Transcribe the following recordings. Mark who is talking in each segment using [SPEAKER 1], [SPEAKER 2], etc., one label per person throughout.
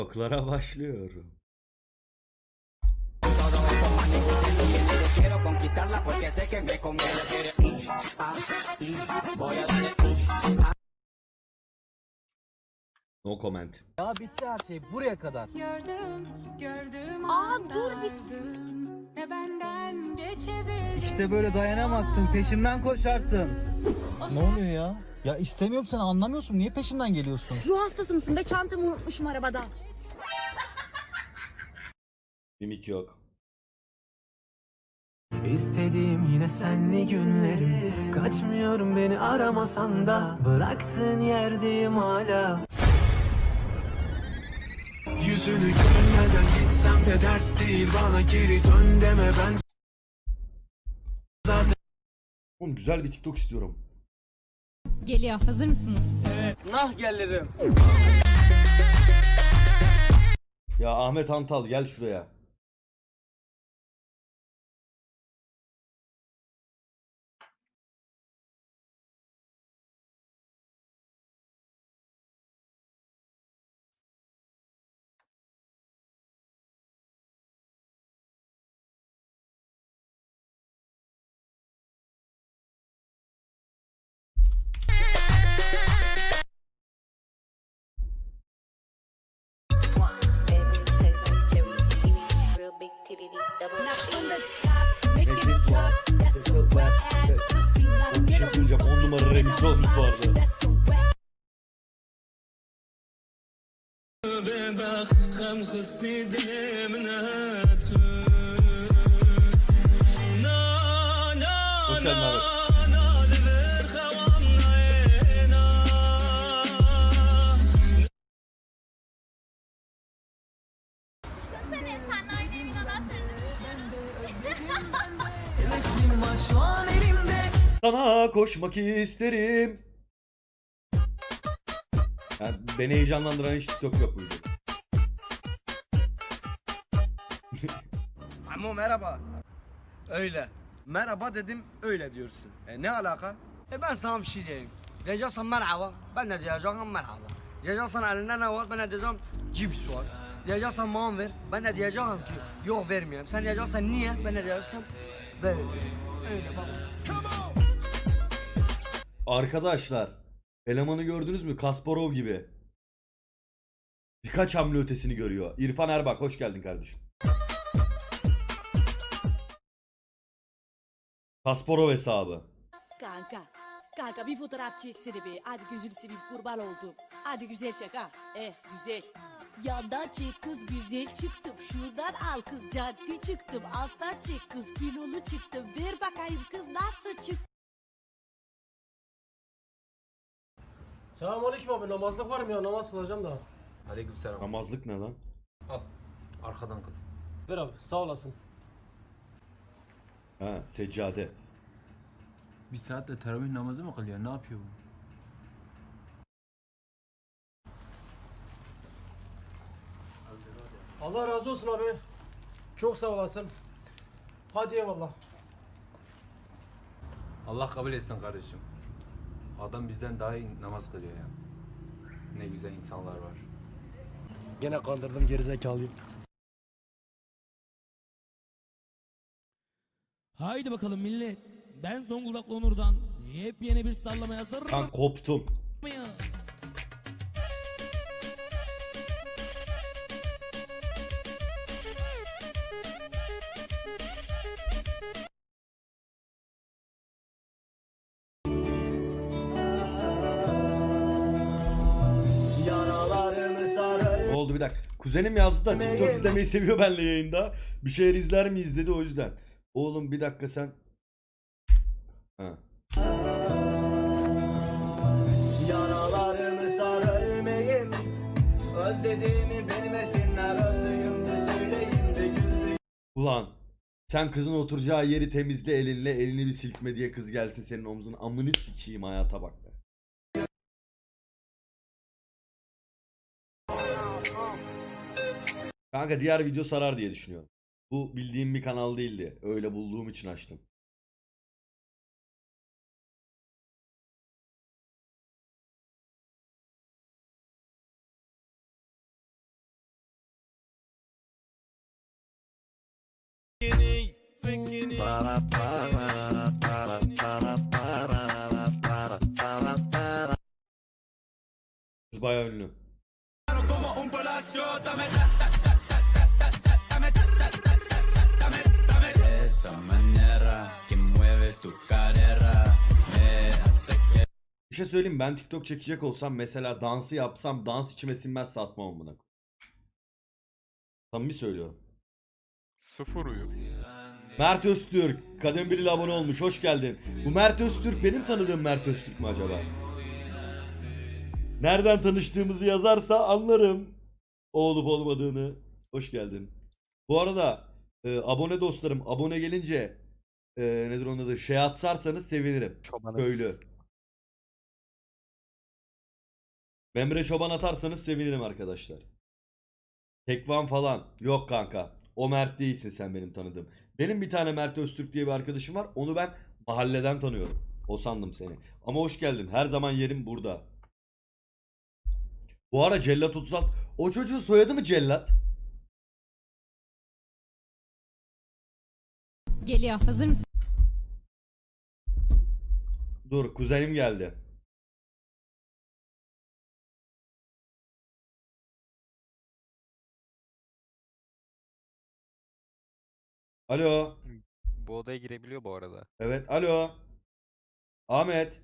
[SPEAKER 1] Oklara başlıyorum. No comment.
[SPEAKER 2] Ya bitti her şey buraya kadar.
[SPEAKER 3] Gördüm
[SPEAKER 4] Dur bir.
[SPEAKER 3] ne benden geçebilir.
[SPEAKER 2] İşte böyle dayanamazsın, peşimden koşarsın. Ne oluyor ya? Ya istemiyorum, sen anlamıyorsun. Niye peşimden geliyorsun?
[SPEAKER 4] Ruh hastası mısın be, çantamı unutmuşum arabada.
[SPEAKER 1] Mimik yok.
[SPEAKER 5] İstediğim yine senli günlerim. Kaçmıyorum beni aramasan da, bıraktığın yerdeyim hala. Yüzünü görmeden gitsem de dert değil, bana geri dön deme, ben zaten.
[SPEAKER 1] Oğlum güzel bir TikTok istiyorum.
[SPEAKER 6] Geliyor. Hazır mısınız?
[SPEAKER 2] Nah gelirim.
[SPEAKER 1] Ya Ahmet Antal gel şuraya. Bir şey söyleyeceğim, 10 numara remix olmuş bu arada. Hoş geldin abi.
[SPEAKER 4] Düşünsene, sen aynı evin anahtarını
[SPEAKER 1] Sana koşmak isterim. Yani beni heyecanlandıran hiç TikTok yok buydu.
[SPEAKER 7] Ama merhaba. Öyle. Merhaba dedim, öyle diyorsun. Ne alaka?
[SPEAKER 8] Ben sana bir şey diyeyim. Diyeceksen merhaba, ben de diyeceğim merhaba. Diyeceksen elinde ne var, ben de diyeceğim cips var. Diyeceksen man ver, ben de diyeceğim ki yok vermeyeyim. Sen diyeceksen niye, ben de diyeceğim ver. Öyle bak.
[SPEAKER 1] Arkadaşlar, elemanı gördünüz mü? Kasparov gibi. Birkaç hamle ötesini görüyor. İrfan Erbak hoş geldin kardeşim. Kasparov hesabı.
[SPEAKER 9] Kanka bir fotoğraf çeksene be. Hadi gözünü seveyim, kurban oldum. Hadi güzel çek ha. Güzel. Yandan çek kız, güzel çıktım. Şuradan al kız, caddi çıktım. Alttan çek kız, kilolu çıktım. Ver bakayım kız, nasıl çıktı?
[SPEAKER 8] Selamünaleyküm abi, namazlık var mı ya? Namaz kılacağım da.
[SPEAKER 5] Aleykümselam.
[SPEAKER 1] Namazlık ne lan?
[SPEAKER 5] Al. Arkadan kıl.
[SPEAKER 8] Ver abi, sağ olasın.
[SPEAKER 1] Ha, seccade.
[SPEAKER 5] Bir saatte teravih namazı mı kılıyor? Ne yapıyor bu?
[SPEAKER 8] Allah razı olsun abi. Çok sağ olasın. Hadi eyvallah.
[SPEAKER 5] Allah kabul etsin kardeşim. Adam bizden daha iyi namaz kılıyor ya. Ne güzel insanlar var.
[SPEAKER 8] Gene kandırdım gerizekalıyı.
[SPEAKER 10] Haydi bakalım millet. Ben Zonguldaklı Onur'dan yepyeni bir sallama hazır
[SPEAKER 1] Ben koptum.
[SPEAKER 10] mıyım?
[SPEAKER 1] Ne oldu bir dakika. Kuzenim yazdı da TikTok izlemeyi seviyor benimle yayında. Bir şeyler izler miyiz dedi, o yüzden. Oğlum bir dakika sen. Ha.
[SPEAKER 7] Yaralarımı sar ölmeyim. Özlediğimi bilmesinler, öldüğümde söyleyeyim de güldüğüm.
[SPEAKER 1] Ulan sen kızın oturacağı yeri temizle elinle, elini bir silkme diye kız gelsin senin omzuna, amını sikeyim, hayata bak be. Kanka diğer video sarar diye düşünüyorum. Bu bildiğim bir kanal değildi. Öyle bulduğum için açtım. Bayağı ünlü. Bir şey söyleyeyim, ben TikTok çekecek olsam mesela dansı yapsam dans içime sinmezse atmam amına. Samimi söylüyorum.
[SPEAKER 11] Sıfır uyum.
[SPEAKER 1] Mert Öztürk kadın biriyle abone olmuş, hoş geldin. Bu Mert Öztürk benim tanıdığım Mert Öztürk mü acaba? Nereden tanıştığımızı yazarsa anlarım o olup olmadığını. Hoş geldin. Bu arada abone dostlarım, abone gelince nedir onun adı, şey atsarsanız sevinirim. Köylü. Memre Çoban atarsanız sevinirim arkadaşlar. Tekvan falan. Yok kanka. O Mert değilsin sen benim tanıdığım. Benim bir tane Mert Öztürk diye bir arkadaşım var. Onu ben mahalleden tanıyorum. O sandım seni. Ama hoş geldin. Her zaman yerim burada. Bu ara Cellat 36. O çocuğun soyadı mı Cellat?
[SPEAKER 6] Geliyor. Hazır mısın?
[SPEAKER 1] Dur, kuzenim geldi. Alo.
[SPEAKER 12] Bu odaya girebiliyor bu arada.
[SPEAKER 1] Evet, alo. Ahmet.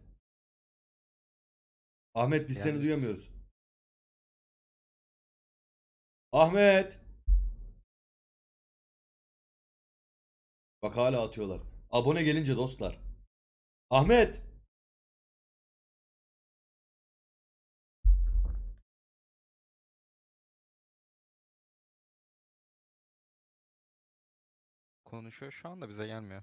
[SPEAKER 1] Ahmet biz seni
[SPEAKER 12] Yani-
[SPEAKER 1] duyamıyoruz. Ahmet. Bak hala atıyorlar. Abone gelince dostlar. Ahmet.
[SPEAKER 12] Konuşuyor şu anda bize gelmiyor.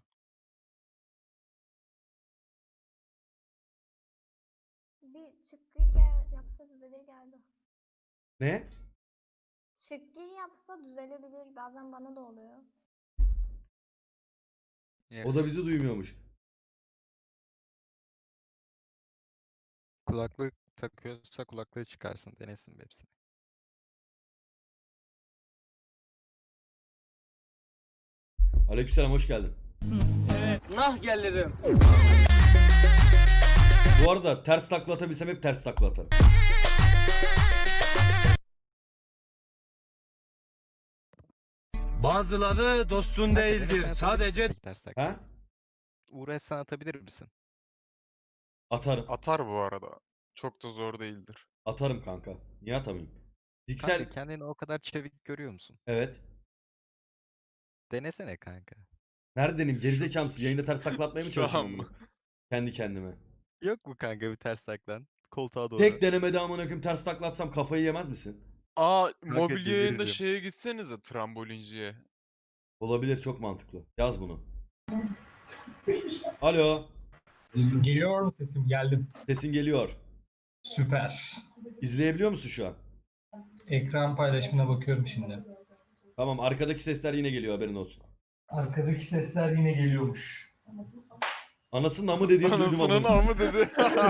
[SPEAKER 4] Bir çıkgır yapsa düzelir geldi.
[SPEAKER 1] Ne?
[SPEAKER 4] Çıkgır yapsa düzelebilir. Bazen bana da oluyor.
[SPEAKER 1] O da bizi duymuyormuş.
[SPEAKER 12] Kulaklık takıyorsa kulaklığı çıkarsın. Denesin hepsini.
[SPEAKER 1] Aleykümselam, hoş geldin.
[SPEAKER 8] Nah gelirim.
[SPEAKER 1] Bu arada ters takla atabilsem hep ters takla atarım.
[SPEAKER 7] Bazıları dostun değildir. Sadece
[SPEAKER 12] Ters takla.
[SPEAKER 1] Ha?
[SPEAKER 12] Uğraş sen atabilir misin?
[SPEAKER 1] Atarım.
[SPEAKER 11] Atar bu arada. Çok da zor değildir.
[SPEAKER 1] Atarım kanka. Niye atamayayım?
[SPEAKER 12] Kanka
[SPEAKER 1] Fiziksel...
[SPEAKER 12] kendini o kadar çevik görüyor musun?
[SPEAKER 1] Evet.
[SPEAKER 12] Denesene kanka.
[SPEAKER 1] Nerede deneyim? Gerizekalı mısın? Yayında ters takla atmaya mı
[SPEAKER 11] Şu an
[SPEAKER 1] çalışıyorum
[SPEAKER 11] mı?
[SPEAKER 1] bunu? Kendi kendime.
[SPEAKER 12] Yok mu kanka bir ters taklan? Koltuğa doğru.
[SPEAKER 1] Tek denemede amına koyayım ters takla atsam kafayı yemez misin?
[SPEAKER 11] Aa,
[SPEAKER 12] Kanka
[SPEAKER 11] mobilya yayında
[SPEAKER 12] deliririm.
[SPEAKER 11] şeye gitsenize, trambolinciye.
[SPEAKER 1] Olabilir, çok mantıklı. Yaz bunu. Alo.
[SPEAKER 10] Geliyor mu sesim? Geldim.
[SPEAKER 1] Sesin geliyor.
[SPEAKER 10] Süper.
[SPEAKER 1] İzleyebiliyor musun şu an?
[SPEAKER 10] Ekran paylaşımına bakıyorum şimdi.
[SPEAKER 1] Tamam, arkadaki sesler yine geliyor, haberin olsun.
[SPEAKER 10] Arkadaki sesler yine geliyormuş.
[SPEAKER 1] Anasının amı dediğini duydum
[SPEAKER 11] Anasının
[SPEAKER 1] ama.
[SPEAKER 11] amı dedi.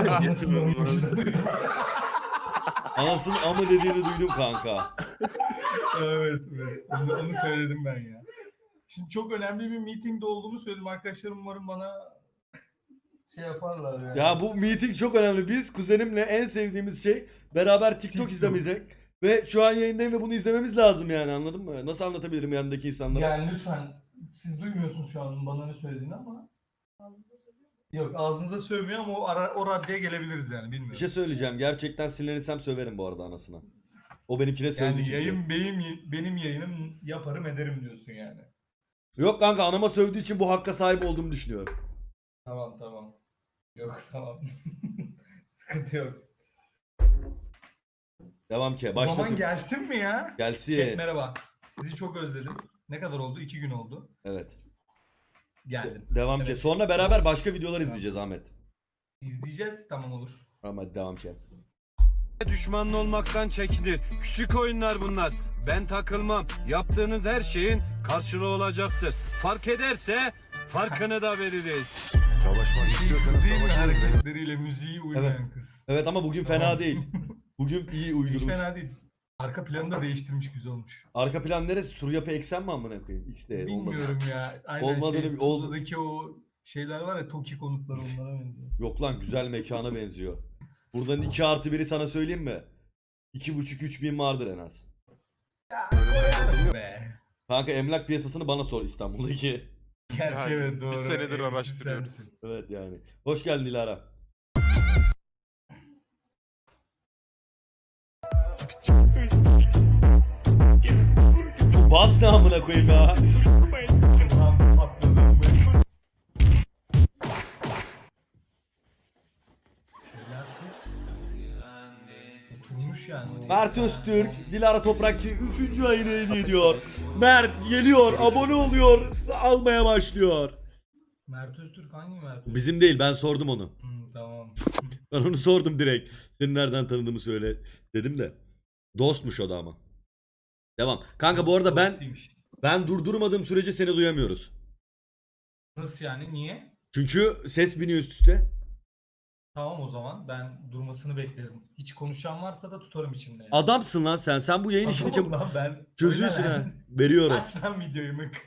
[SPEAKER 1] Anasının amı dediğini duydum kanka.
[SPEAKER 10] Evet. Onu söyledim ben ya. Şimdi çok önemli bir meetingde olduğumu söyledim. Arkadaşlarım umarım bana şey yaparlar yani.
[SPEAKER 1] Ya bu meeting çok önemli. Biz kuzenimle en sevdiğimiz şey beraber TikTok izlemek. Ve şu an yayındayım ve bunu izlememiz lazım yani, anladın mı? Nasıl anlatabilirim yanındaki insanlara?
[SPEAKER 10] Yani lütfen, siz duymuyorsunuz şu an bana ne söylediğini ama. Yok, ağzınıza sövmüyor ama o raddeye gelebiliriz yani, bilmiyorum.
[SPEAKER 1] Bir şey söyleyeceğim. Gerçekten sinirlenirsem söverim bu arada anasına. O benimkine söyledi
[SPEAKER 10] Yani
[SPEAKER 1] çünkü.
[SPEAKER 10] yayın benim yayınım, yaparım ederim diyorsun yani.
[SPEAKER 1] Yok kanka, anama sövdüğü için bu hakka sahip olduğumu düşünüyorum.
[SPEAKER 10] Tamam. Yok tamam. Sıkıntı yok.
[SPEAKER 1] Devam ki.
[SPEAKER 10] O zaman
[SPEAKER 1] Başlatıyorum.
[SPEAKER 10] gelsin mi ya?
[SPEAKER 1] Gelsin.
[SPEAKER 10] Chat merhaba. Sizi çok özledim. Ne kadar oldu? 2 gün oldu.
[SPEAKER 1] Evet.
[SPEAKER 10] Geldim.
[SPEAKER 1] Devam ki.
[SPEAKER 10] Evet.
[SPEAKER 1] Sonra beraber başka videolar izleyeceğiz Ahmet.
[SPEAKER 10] İzleyeceğiz, tamam olur.
[SPEAKER 1] Tamam hadi devam ki.
[SPEAKER 7] düşmanın olmaktan çekinir. Küçük oyunlar bunlar. Ben takılmam. Yaptığınız her şeyin karşılığı olacaktır. Fark ederse farkını da veririz.
[SPEAKER 11] Savaşmak
[SPEAKER 10] Değil mi hareketleriyle müziği uymayan kız.
[SPEAKER 1] Evet ama bugün fena
[SPEAKER 10] Tamam.
[SPEAKER 1] değil. Bugün iyi
[SPEAKER 10] Hiç
[SPEAKER 1] uydurmuş.
[SPEAKER 10] fena değil. Arka planı da değiştirmiş, güzel olmuş.
[SPEAKER 1] Arka plan neresi? Sur yapı eksen mi amına koyayım? X'de
[SPEAKER 10] Bilmiyorum ya. Aynen
[SPEAKER 1] Olmadığını-
[SPEAKER 10] Tuzla'daki o şeyler var ya, Toki konutları, onlara benziyor.
[SPEAKER 1] Yok lan, güzel mekana benziyor. Buradan 2+1'i sana söyleyeyim mi? 2,5-3 bin vardır en az.
[SPEAKER 10] Be.
[SPEAKER 1] Kanka emlak piyasasını bana sor İstanbul'daki.
[SPEAKER 10] Gerçi evet, doğru.
[SPEAKER 11] Bir senedir
[SPEAKER 10] Evsiz
[SPEAKER 11] araştırıyoruz.
[SPEAKER 10] sensin.
[SPEAKER 1] Evet yani. Hoş geldin Dilara. Bas ne amına koyayım ya.
[SPEAKER 10] Ulan patladım ben. Şeyler çok oturmuş yani. o.
[SPEAKER 1] Mert Öztürk, Dilara Toprakçı 3. ayını hediye ediyor. Mert geliyor, abone oluyor, almaya başlıyor.
[SPEAKER 10] Mert Öztürk hangi Mert Öztürk?
[SPEAKER 1] Bizim değil, ben sordum onu.
[SPEAKER 10] Tamam.
[SPEAKER 1] Ben onu sordum direkt. Seni nereden tanıdığımı söyle dedim de. Dostmuş o da ama. Devam. Kanka bu arada ben durdurmadığım sürece seni duyamıyoruz.
[SPEAKER 10] Nasıl yani, niye?
[SPEAKER 1] Çünkü ses biniyor üst üste.
[SPEAKER 10] Tamam, o zaman ben durmasını beklerim. Hiç konuşan varsa da tutarım içimde. Yani.
[SPEAKER 1] Adamsın lan sen. Sen bu yayın işini
[SPEAKER 10] Adamım lan ben.
[SPEAKER 1] çözüyorsun
[SPEAKER 10] Öyle
[SPEAKER 1] ha.
[SPEAKER 10] lan.
[SPEAKER 1] Veriyorum.
[SPEAKER 10] Aç lan videoyu mık.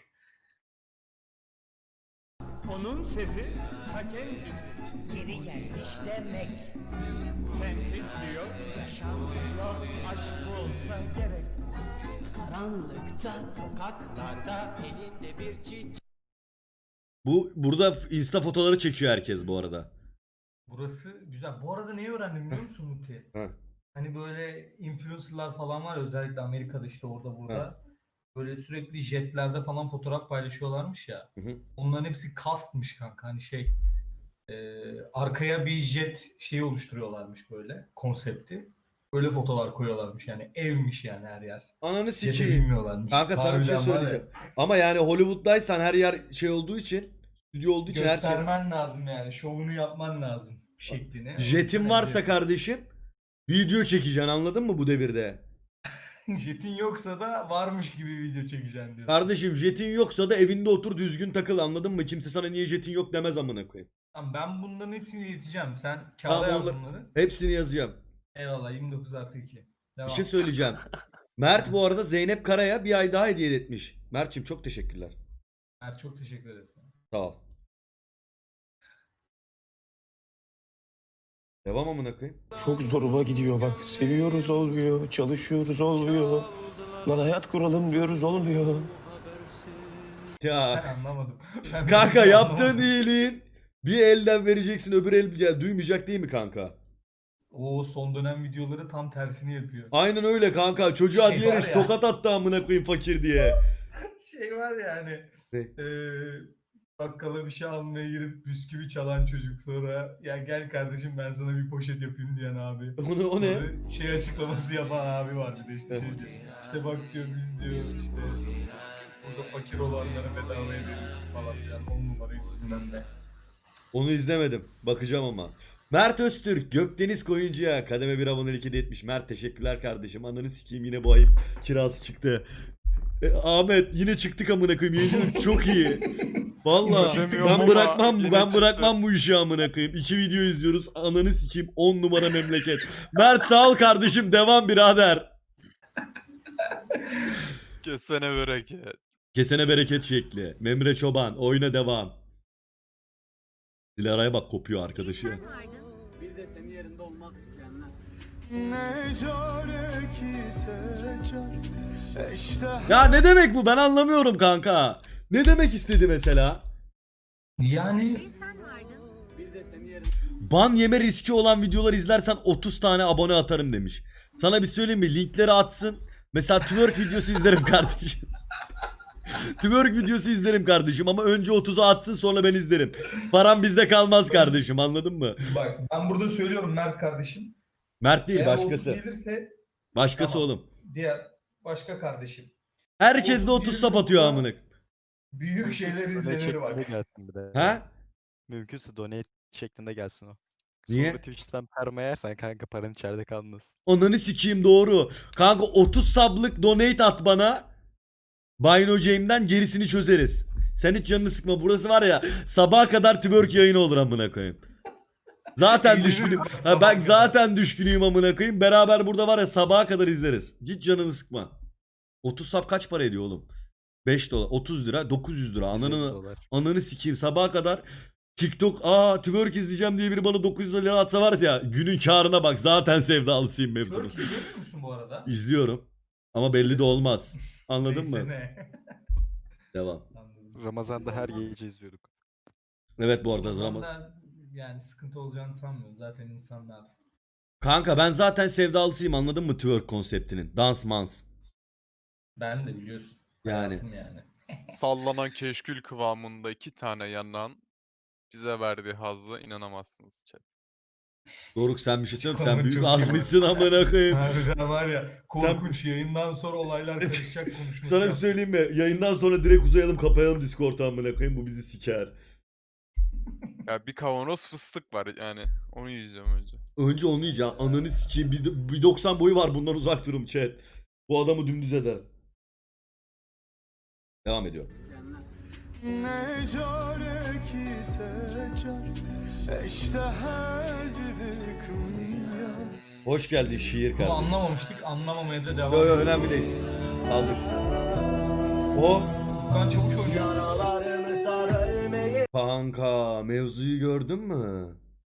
[SPEAKER 7] Onun sesi ta kendisi.
[SPEAKER 8] Geri gelmiş demek.
[SPEAKER 7] Sensiz diyor. Yaşanmıyor, aşk olsa gerek.
[SPEAKER 8] Karanlıkta
[SPEAKER 7] Sokaklarda elinde bir çiçek.
[SPEAKER 1] Burada insta fotoğrafları çekiyor herkes bu arada.
[SPEAKER 10] Burası güzel. Bu arada neyi öğrendim biliyor musun Muti?
[SPEAKER 1] Heh.
[SPEAKER 10] Hani böyle influencerlar falan var ya, özellikle Amerika'da, işte orada burada. Böyle sürekli jetlerde falan fotoğraf paylaşıyorlarmış ya.
[SPEAKER 1] Hı hı.
[SPEAKER 10] Onların hepsi kastmış kanka. Hani arkaya bir jet şeyi oluşturuyorlarmış, böyle konsepti. Böyle fotolar koyuyorlarmış, yani evmiş yani her yer.
[SPEAKER 1] Ananı
[SPEAKER 10] Jeti
[SPEAKER 1] sikeyim.
[SPEAKER 10] bilmiyorlarmış.
[SPEAKER 1] Kanka sana bir şey
[SPEAKER 10] Harbiden var ya,
[SPEAKER 1] söyleyeceğim. Ama yani Hollywood'daysan her yer şey olduğu için, stüdyo olduğu için her şey.
[SPEAKER 10] göstermen lazım yani. Şovunu yapman lazım şeklini.
[SPEAKER 1] Jetin varsa kardeşim video çekeceksin, anladın mı bu devirde?
[SPEAKER 10] Jetin yoksa da varmış gibi video çekeceksin diyorsun.
[SPEAKER 1] Kardeşim jetin yoksa da evinde otur düzgün takıl, anladın mı? Kimse sana niye jetin yok demez amına koyayım.
[SPEAKER 10] Tamam, ben bunların hepsini ileteceğim. Sen kağıda
[SPEAKER 1] Tamam,
[SPEAKER 10] yaz
[SPEAKER 1] onları-
[SPEAKER 10] bunları.
[SPEAKER 1] Hepsini yazacağım.
[SPEAKER 10] Eyvallah, 29+2. Devam.
[SPEAKER 1] Bir şey söyleyeceğim. Mert bu arada Zeynep Kara'ya bir ay daha hediye etmiş. Mert'cim çok teşekkürler.
[SPEAKER 10] Mert, çok teşekkür ederim.
[SPEAKER 1] Sağ ol. Devam amına koyayım.
[SPEAKER 7] Çok zoruma gidiyor bak. Seviyoruz olmuyor, çalışıyoruz olmuyor. Lan hayat kuralım diyoruz olmuyor.
[SPEAKER 1] Ya
[SPEAKER 10] Ben anlamadım. Ben
[SPEAKER 1] kanka
[SPEAKER 10] bir
[SPEAKER 1] yaptığın
[SPEAKER 10] anlamadım.
[SPEAKER 1] iyiliğin bir elden vereceksin, öbür el ya, duymayacak değil mi kanka?
[SPEAKER 10] O son dönem videoları tam tersini yapıyor.
[SPEAKER 1] Aynen öyle kanka. Çocuğa
[SPEAKER 10] Şey
[SPEAKER 1] diyerek
[SPEAKER 10] var ya.
[SPEAKER 1] tokat attı amına koyayım fakir diye.
[SPEAKER 10] Şey var ya hani,
[SPEAKER 1] Ne?
[SPEAKER 10] bakkala bir şey almaya girip bisküvi çalan çocuk, sonra ya gel kardeşim ben sana bir poşet yapayım diyen abi.
[SPEAKER 1] O ne?
[SPEAKER 10] Sonra şey açıklaması yapan abi var bir de, işte şey diyor. İşte bak diyor, biz diyor işte burada fakir olanlara bedavaya veriyoruz falan filan. 10 numara üstünden de.
[SPEAKER 1] Onu izlemedim. Bakacağım ama. Mert Öztürk, Gökdeniz Koyuncu'ya kademe bir abonelik hediye etmiş. Mert teşekkürler kardeşim. Ananı sikeyim, yine bu ayıp kirası çıktı. Ahmet yine çıktık amına koyayım. Yayıncılık çok iyi. Vallahi
[SPEAKER 11] Demiyorum
[SPEAKER 1] ben
[SPEAKER 11] ama
[SPEAKER 1] bırakmam
[SPEAKER 11] yine
[SPEAKER 1] ben
[SPEAKER 11] çıktı.
[SPEAKER 1] bırakmam bu işi amına koyayım. 2 video izliyoruz. Ananı sikeyim, 10 numara memleket. Mert sağ ol kardeşim, devam birader.
[SPEAKER 11] Kesene bereket.
[SPEAKER 1] Kesene bereket şekli. Memre Çoban oyuna devam. Dilara'ya bak, kopuyor arkadaşı.
[SPEAKER 8] Bir de senin yerinde olmak isteyenler.
[SPEAKER 1] Ya ne demek bu, ben anlamıyorum kanka. Ne demek istedi mesela?
[SPEAKER 10] Yani
[SPEAKER 8] Bir de senin yerinde.
[SPEAKER 1] Ban yeme riski olan videolar izlersen 30 tane abone atarım demiş. Sana bir söyleyeyim mi? Linkleri atsın. Mesela twerk videosu izlerim kardeşim. Twerk videosu izlerim kardeşim ama önce 30'u atsın, sonra ben izlerim. Param bizde kalmaz kardeşim, anladın mı?
[SPEAKER 10] bak, ben burada söylüyorum Mert kardeşim.
[SPEAKER 1] Mert değil,
[SPEAKER 10] Eğer
[SPEAKER 1] başkası.
[SPEAKER 10] 30 gelirse
[SPEAKER 1] Başkası
[SPEAKER 10] tamam.
[SPEAKER 1] oğlum.
[SPEAKER 10] Diğer başka kardeşim.
[SPEAKER 1] Herkes de
[SPEAKER 10] 30
[SPEAKER 1] 30 sap atıyor amına.
[SPEAKER 10] Büyük şeyler
[SPEAKER 12] Donate
[SPEAKER 10] izlenir
[SPEAKER 12] şeklinde
[SPEAKER 10] bak.
[SPEAKER 12] gelsin bir de.
[SPEAKER 1] Ha?
[SPEAKER 12] Mümkünse donate şeklinde gelsin o.
[SPEAKER 1] Niye?
[SPEAKER 12] Sonra Twitch'ten perma yersen kanka paran içeride kalmaz.
[SPEAKER 1] Ananı sikeyim, doğru. Kanka 30 sablık donate at bana. Bino Game'den gerisini çözeriz. Sen hiç canını sıkma. Burası var ya, sabaha kadar twerk yayını olur amına koyayım. Zaten
[SPEAKER 10] Eğleniriz
[SPEAKER 1] düşkünüm.
[SPEAKER 10] bak
[SPEAKER 1] Ha,
[SPEAKER 10] sabaha
[SPEAKER 1] ben
[SPEAKER 10] kadar.
[SPEAKER 1] zaten düşkünüyüm amına koyayım. Beraber burada var ya sabaha kadar izleriz. Hiç canını sıkma. 30 sap kaç para ediyor oğlum? 5 dolar, 30 lira, 900 lira.
[SPEAKER 12] 150
[SPEAKER 1] Ananı
[SPEAKER 12] dolar.
[SPEAKER 1] ananı sikeyim sabaha kadar. TikTok twerk izleyeceğim diye biri bana 900 lira atsa var ya günün karına bak zaten sevdalısıyım mevzunun.
[SPEAKER 10] Türk izliyor musun bu arada?
[SPEAKER 1] İzliyorum ama belli de olmaz. Anladın
[SPEAKER 10] Neyse
[SPEAKER 1] mı?
[SPEAKER 10] ne.
[SPEAKER 1] Devam.
[SPEAKER 10] Anladım.
[SPEAKER 12] Ramazan'da her
[SPEAKER 10] Olmaz.
[SPEAKER 12] gece izliyorduk.
[SPEAKER 1] Evet bu arada
[SPEAKER 10] O
[SPEAKER 1] zaman.
[SPEAKER 10] zamanlar yani sıkıntı olacağını sanmıyorum. Zaten insanlar.
[SPEAKER 1] Kanka ben zaten sevdalısıyım anladın mı twerk konseptinin? Dans mans.
[SPEAKER 10] Ben de biliyorsun.
[SPEAKER 1] Yani.
[SPEAKER 10] Hayatım yani.
[SPEAKER 11] Sallanan keşkül kıvamında 2 tane yanan bize verdiği hazzı inanamazsınız chat.
[SPEAKER 1] Doruk sen bir şey söyleyeyim
[SPEAKER 10] Ama
[SPEAKER 1] sen büyük
[SPEAKER 10] çok iyi
[SPEAKER 1] azmışsın amına koyayım.
[SPEAKER 10] Harbiden var ya korkunç yayından sonra olaylar karışacak konuşması.
[SPEAKER 1] Sana bir
[SPEAKER 10] yaptık.
[SPEAKER 1] söyleyeyim mi? Yayından sonra direkt uzayalım kapayalım Discord'u amına koyayım bu bizi siker.
[SPEAKER 11] Ya bir kavanoz fıstık var yani onu yiyeceğim önce.
[SPEAKER 1] Önce onu yiyeceğim. Ananı sikeyim. Bir 90 boyu var bundan uzak durun chat. Bu adamı dümdüz eder. Devam ediyor. Hoş geldin şiir
[SPEAKER 10] Bunu
[SPEAKER 1] kardeşim.
[SPEAKER 10] anlamamıştık. Anlamamaya da devam
[SPEAKER 1] Yo yo
[SPEAKER 10] ediyoruz.
[SPEAKER 1] önemli değil. Aldık. O
[SPEAKER 10] Furkan Çavuş oynuyor.
[SPEAKER 1] kanka mevzuyu gördün mü?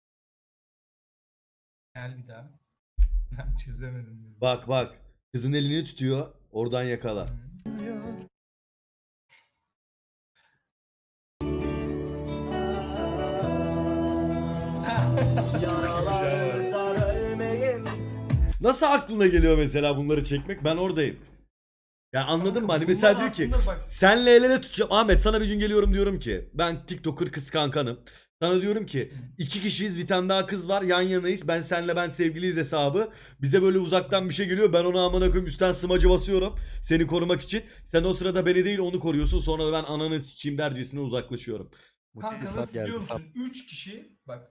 [SPEAKER 10] Gel bir daha. Ben çözemedim.
[SPEAKER 1] Bak bak. Kızın elini tutuyor. Oradan yakala. Nasıl aklına geliyor mesela bunları çekmek? Ben oradayım. Ya anladın mı? Hani mesela diyor ki senle el ele tutacağım. Ahmet sana bir gün geliyorum diyorum ki ben TikToker kız kankanım. Sana diyorum ki iki kişiyiz bir tane daha kız var yan yanayız. Ben sevgiliyiz hesabı. Bize böyle uzaktan bir şey geliyor. Ben ona amına koyayım üstten smacı basıyorum. Seni korumak için. Sen o sırada beni değil onu koruyorsun. Sonra da ben ananı sikeyim dercesine uzaklaşıyorum.
[SPEAKER 10] Kanka
[SPEAKER 12] Sap
[SPEAKER 10] nasıl
[SPEAKER 12] geldi,
[SPEAKER 10] biliyor
[SPEAKER 12] sap.
[SPEAKER 10] musun? 3 kişi bak.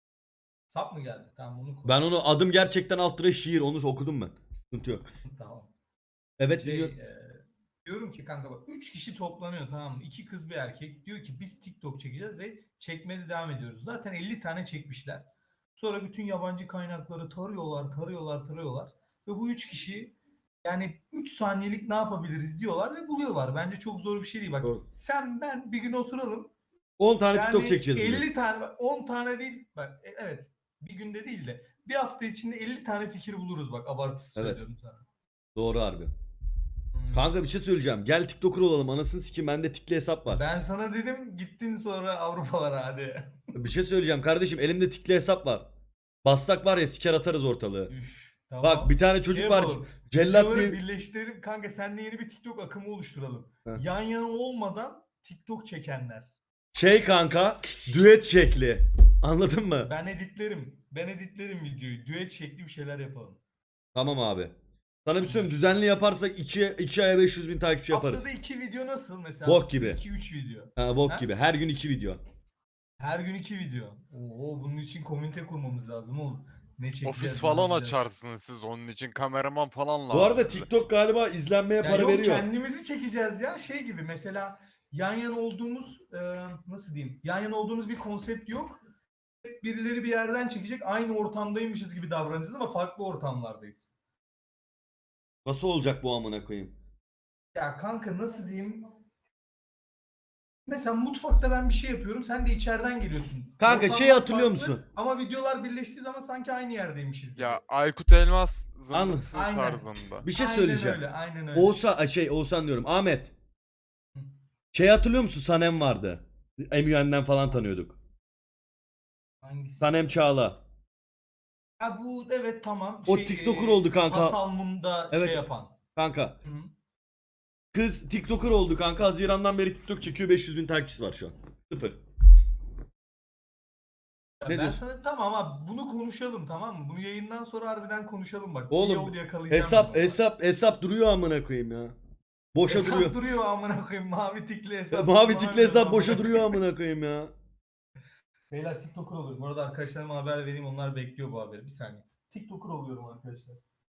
[SPEAKER 10] Sap mı geldi? Tamam onu koy.
[SPEAKER 1] Ben onu adım gerçekten alt lira şiir onu okudum ben. Sıkıntı yok.
[SPEAKER 10] Tamam.
[SPEAKER 1] Evet
[SPEAKER 10] Şey,
[SPEAKER 1] diyor.
[SPEAKER 10] diyorum ki kanka bak 3 kişi toplanıyor tamam mı? 2 kız bir erkek. Diyor ki biz TikTok çekeceğiz ve çekmeye devam ediyoruz. Zaten 50 tane çekmişler. Sonra bütün yabancı kaynakları tarıyorlar. Ve bu 3 kişi yani 3 saniyelik ne yapabiliriz diyorlar ve buluyorlar. Bence çok zor bir şey değil. Bak
[SPEAKER 1] Doğru.
[SPEAKER 10] sen ben bir gün oturalım.
[SPEAKER 1] 10 tane
[SPEAKER 10] Yani
[SPEAKER 1] TikTok çekeceğiz bugün.
[SPEAKER 10] 50 tane bak 10 tane değil. Bak evet bir günde değil de bir hafta içinde 50 tane fikir buluruz bak abartısız
[SPEAKER 1] Evet.
[SPEAKER 10] söylüyorum sana.
[SPEAKER 1] Doğru harbi.
[SPEAKER 10] Hmm.
[SPEAKER 1] Kanka bir şey söyleyeceğim. Gel TikToker olalım. Anasını sikeyim bende tikli hesap var.
[SPEAKER 10] Ben sana dedim gittin sonra Avrupalara hadi.
[SPEAKER 1] Bir şey söyleyeceğim kardeşim. Elimde tikli hesap var. Bassak var ya siker atarız ortalığı.
[SPEAKER 10] Üf, tamam.
[SPEAKER 1] Bak bir tane çocuk
[SPEAKER 10] Şey
[SPEAKER 1] var.
[SPEAKER 10] yapalım,
[SPEAKER 1] Cellat
[SPEAKER 10] videoları
[SPEAKER 1] diye.
[SPEAKER 10] birleştirelim kanka seninle yeni bir TikTok akımı oluşturalım.
[SPEAKER 1] Heh.
[SPEAKER 10] Yan yana olmadan TikTok çekenler.
[SPEAKER 1] Şey kanka. Düet şekli. Anladın mı?
[SPEAKER 10] Ben editlerim videoyu. Düet şekli bir şeyler yapalım.
[SPEAKER 1] Tamam abi. Sana bir şey söyleyeyim. Düzenli yaparsak 2 aya 500 bin takipçi yaparız.
[SPEAKER 10] Haftada 2 video nasıl mesela?
[SPEAKER 1] Bok gibi.
[SPEAKER 10] 2-3 video.
[SPEAKER 1] Ha, bok
[SPEAKER 10] Ha?
[SPEAKER 1] gibi. Her gün 2 video.
[SPEAKER 10] Her gün 2 video. Oo bunun için komünite kurmamız lazım oğlum. Ne çekeceğiz?
[SPEAKER 11] Ofis
[SPEAKER 10] ne
[SPEAKER 11] falan
[SPEAKER 10] yapacağız?
[SPEAKER 11] açarsınız siz onun için kameraman falan lazım
[SPEAKER 1] Bu arada
[SPEAKER 11] size.
[SPEAKER 1] TikTok galiba izlenmeye
[SPEAKER 10] Ya
[SPEAKER 1] para
[SPEAKER 10] yok
[SPEAKER 1] veriyor.
[SPEAKER 10] kendimizi çekeceğiz ya şey gibi mesela yan yana olduğumuz nasıl diyeyim yan yana olduğumuz bir konsept yok. Hep birileri bir yerden çekecek aynı ortamdaymışız gibi davranacağız ama farklı ortamlardayız.
[SPEAKER 1] Nasıl olacak bu amına koyayım?
[SPEAKER 10] Ya kanka nasıl diyeyim? Mesela mutfakta ben bir şey yapıyorum sen de içeriden geliyorsun.
[SPEAKER 1] Kanka
[SPEAKER 10] Ortamlar
[SPEAKER 1] şeyi hatırlıyor
[SPEAKER 10] farklı
[SPEAKER 1] musun?
[SPEAKER 10] Ama videolar birleştiği zaman sanki aynı yerdeymişiz gibi.
[SPEAKER 11] Ya Aykut Elmas
[SPEAKER 1] Anladım.
[SPEAKER 11] zımbırtısı
[SPEAKER 10] Aynen.
[SPEAKER 11] tarzında.
[SPEAKER 1] Bir şey
[SPEAKER 10] Aynen
[SPEAKER 1] söyleyeceğim.
[SPEAKER 10] öyle, aynen öyle.
[SPEAKER 1] Oğuzhan diyorum. Ahmet. Şey hatırlıyor musun? Sanem vardı. MUN'den falan tanıyorduk.
[SPEAKER 10] Hangisi?
[SPEAKER 1] Sanem Çağla.
[SPEAKER 10] Ha bu evet tamam.
[SPEAKER 1] O TikToker oldu kanka.
[SPEAKER 10] Hasalmun'da
[SPEAKER 1] Evet.
[SPEAKER 10] şey yapan.
[SPEAKER 1] Kanka.
[SPEAKER 10] Hı.
[SPEAKER 1] Kız TikToker oldu kanka. Haziran'dan beri TikTok çekiyor. 500 bin takipçisi var şu an. Sıfır. Ne
[SPEAKER 10] Ben
[SPEAKER 1] diyorsun?
[SPEAKER 10] sana tamam abi bunu konuşalım tamam mı? Bunu yayından sonra harbiden konuşalım bak. Bir
[SPEAKER 1] Oğlum
[SPEAKER 10] yol yakalayacağım ben ona.
[SPEAKER 1] hesap duruyor amına koyayım ya. Boşa
[SPEAKER 10] Hesap
[SPEAKER 1] duruyor.
[SPEAKER 10] duruyor amına koyayım mavi tikli hesap.
[SPEAKER 1] Mavi tikli hesap
[SPEAKER 10] amına
[SPEAKER 1] boşa
[SPEAKER 10] koyayım.
[SPEAKER 1] duruyor amına koyayım ya.
[SPEAKER 10] Beyler TikToker oluyorum. Bu arada arkadaşlarıma haber vereyim onlar bekliyor bu haberi. Bir saniye. TikToker oluyorum arkadaşlar.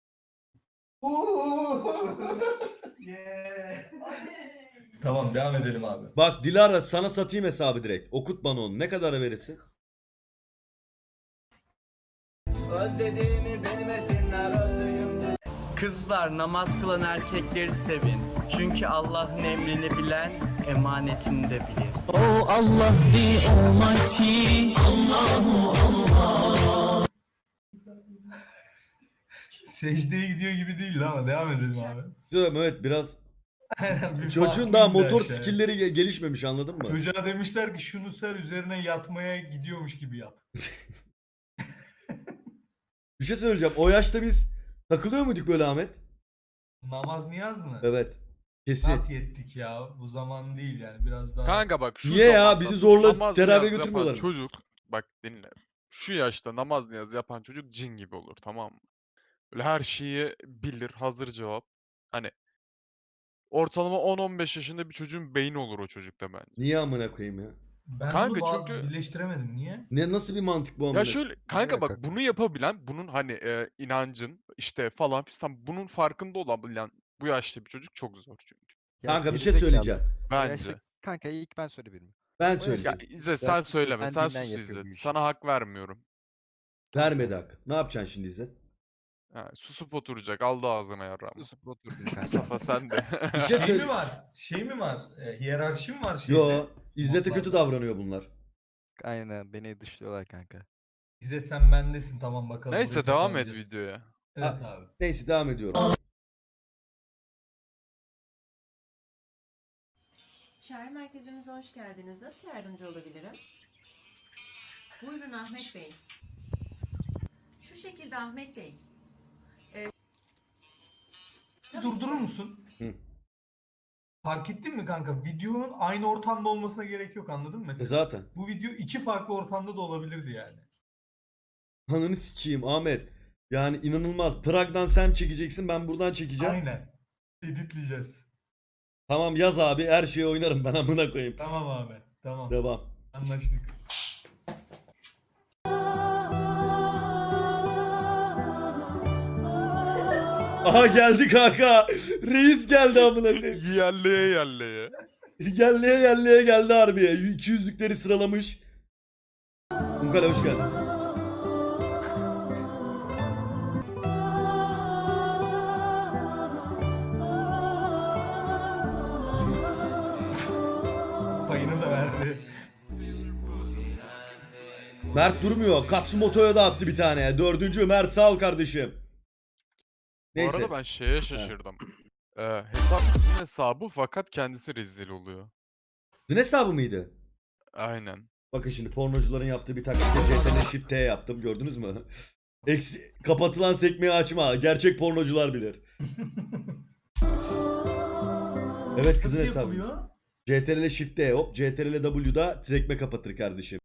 [SPEAKER 10] Yeah. Tamam devam edelim abi.
[SPEAKER 1] Bak Dilara sana satayım hesabı direkt. Okut bana onu. Ne kadara verirsin?
[SPEAKER 2] Özlediğimi bilmesinler öldüğümde.
[SPEAKER 8] Kızlar namaz kılan erkekleri sevin. Çünkü Allah'ın emrini bilen emanetini de bilir.
[SPEAKER 10] Secdeye gidiyor gibi değil ama devam edelim abi.
[SPEAKER 1] Diyorum, evet biraz
[SPEAKER 10] Aynen, bir
[SPEAKER 1] çocuğun
[SPEAKER 10] farklı
[SPEAKER 1] daha
[SPEAKER 10] indi
[SPEAKER 1] motor
[SPEAKER 10] aşağıya.
[SPEAKER 1] skill'leri gelişmemiş, anladın mı?
[SPEAKER 10] Çocuğa demişler ki şunu ser üzerine yatmaya gidiyormuş gibi yap.
[SPEAKER 1] Bir şey söyleyeceğim. O yaşta biz takılıyor muyduk böyle Ahmet?
[SPEAKER 10] Namaz niyaz mı?
[SPEAKER 1] Evet. Kesin.
[SPEAKER 10] Rahat yettik ya. Bu zaman değil yani biraz daha.
[SPEAKER 11] Kanka bak şu
[SPEAKER 1] Niye ya?
[SPEAKER 11] zamanda
[SPEAKER 1] Bizi zorla
[SPEAKER 11] namaz
[SPEAKER 1] teravihe
[SPEAKER 11] niyaz yapan
[SPEAKER 1] götürmüyorlar mı?
[SPEAKER 11] Çocuk bak dinle. Şu yaşta namaz niyaz yapan çocuk cin gibi olur, tamam mı? Böyle her şeyi bilir, hazır cevap. Hani ortalama 10-15 yaşında bir çocuğun beyni olur o çocukta bence.
[SPEAKER 1] Niye amına koyayım ya?
[SPEAKER 10] Ben
[SPEAKER 11] Kanka
[SPEAKER 10] bunu
[SPEAKER 11] çünkü-
[SPEAKER 10] birleştiremedim. Niye?
[SPEAKER 1] Ne, nasıl bir mantık bu amına?
[SPEAKER 11] Ya şöyle kanka bak
[SPEAKER 12] alaka?
[SPEAKER 11] bunu yapabilen, bunun hani inancın işte falan fistan bunun farkında olabilen bu yaşta bir çocuk çok zor çünkü.
[SPEAKER 12] Ya
[SPEAKER 1] Kanka bir şey
[SPEAKER 12] gerizekalı.
[SPEAKER 1] söyleyeceğim.
[SPEAKER 12] O yaşta-
[SPEAKER 11] Bence.
[SPEAKER 12] Kanka ilk ben söyleyeyim.
[SPEAKER 1] Ben
[SPEAKER 12] O yaşta-
[SPEAKER 11] Ya
[SPEAKER 1] söyleyeceğim.
[SPEAKER 11] İzzet sen
[SPEAKER 12] Zaten
[SPEAKER 11] söyleme. Sen
[SPEAKER 12] kendinden
[SPEAKER 11] sus
[SPEAKER 12] yapıyor
[SPEAKER 11] İzzet.
[SPEAKER 12] bu işi.
[SPEAKER 11] Sana hak vermiyorum.
[SPEAKER 1] Vermedi hak. Ne yapacaksın şimdi İzzet?
[SPEAKER 11] Ha, susup oturacak. Aldı ağzına yarrağımı.
[SPEAKER 12] Susup oturdun kanka.
[SPEAKER 11] Mustafa sen de.
[SPEAKER 1] Bir şey
[SPEAKER 10] Şey
[SPEAKER 1] söyle.
[SPEAKER 10] mi var? Şey mi var? Hiyerarşi mi var şeyde?
[SPEAKER 1] Yo, İzzet'e kötü
[SPEAKER 10] Modlarda.
[SPEAKER 1] davranıyor bunlar.
[SPEAKER 12] Aynen beni dışlıyorlar kanka.
[SPEAKER 10] İzzet sen bendesin tamam bakalım.
[SPEAKER 11] Neyse
[SPEAKER 10] burayı
[SPEAKER 11] devam et
[SPEAKER 10] toparlayacağız.
[SPEAKER 11] videoya.
[SPEAKER 10] Evet abi.
[SPEAKER 1] Neyse devam ediyorum.
[SPEAKER 9] Çağrı merkezimize hoş geldiniz. Nasıl yardımcı olabilirim? Buyurun Ahmet Bey. Şu şekilde Ahmet Bey.
[SPEAKER 10] Durdurur musun?
[SPEAKER 1] Hı.
[SPEAKER 10] Fark ettin mi kanka? Videonun aynı ortamda olmasına gerek yok, anladın mı mesela?
[SPEAKER 1] Zaten.
[SPEAKER 10] Bu video iki farklı ortamda da olabilirdi yani.
[SPEAKER 1] Ananı sikeyim Ahmet. Yani inanılmaz. Prag'dan sen çekeceksin, ben buradan çekeceğim.
[SPEAKER 10] Aynen. Editleyeceğiz.
[SPEAKER 1] Tamam yaz abi, her şeyi oynarım ben, amına koyayım.
[SPEAKER 10] Tamam abi. Tamam.
[SPEAKER 1] Devam.
[SPEAKER 10] Anlaştık.
[SPEAKER 1] Aha geldi kanka. Reis geldi amına koyayım.
[SPEAKER 11] Yerleye yerleye.
[SPEAKER 1] Yerleye geldi harbiye. 200'lükleri sıralamış. Munkale hoş geldin.
[SPEAKER 10] Payını da verdi.
[SPEAKER 1] Mert durmuyor. Katsumoto'ya da attı bir tane. Dördüncü Mert, sağ ol kardeşim.
[SPEAKER 11] Bu
[SPEAKER 1] Neyse.
[SPEAKER 11] arada ben şeye şaşırdım. Hesap kızın hesabı fakat kendisi rezil oluyor.
[SPEAKER 1] Sizin hesabı mıydı?
[SPEAKER 11] Aynen.
[SPEAKER 1] Bakın şimdi pornocuların yaptığı bir taktikte CTRL Shift T yaptım, gördünüz mü? Kapatılan sekmeyi açma. Gerçek pornocular bilir. Evet kızın
[SPEAKER 10] Nasıl
[SPEAKER 1] hesabı.
[SPEAKER 10] yapılıyor?
[SPEAKER 1] CTRL Shift T hop. CTRL W'da sekme kapatır kardeşim.